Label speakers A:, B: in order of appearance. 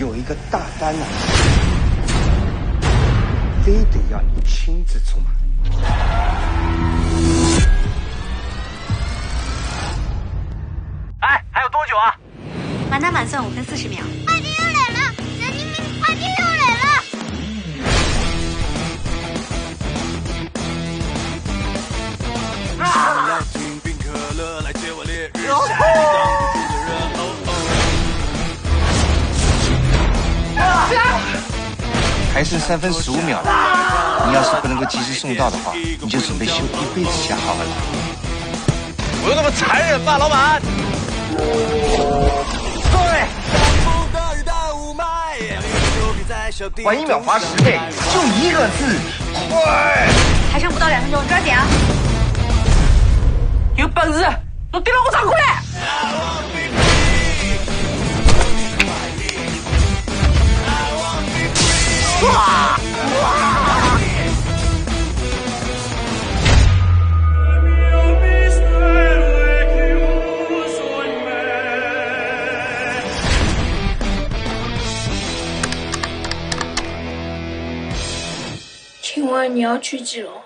A: 有一个大单啊，非得要你亲自出马。
B: 哎，还有多久啊？
C: 满打满算5分40秒。
D: 快递又来了，神经病！快递又来了。
B: 啊！
A: 还剩3分15秒了，你要是不能够及时送到的话，你就准备休一辈子假好了。
B: 我有那么残忍吗，老板？对。
A: 晚1秒罚10倍，就1个字，快！
C: 还剩不到2分钟，抓紧啊！
B: 有本事都丢到我仓库来！哇！
E: 请问你要去几楼？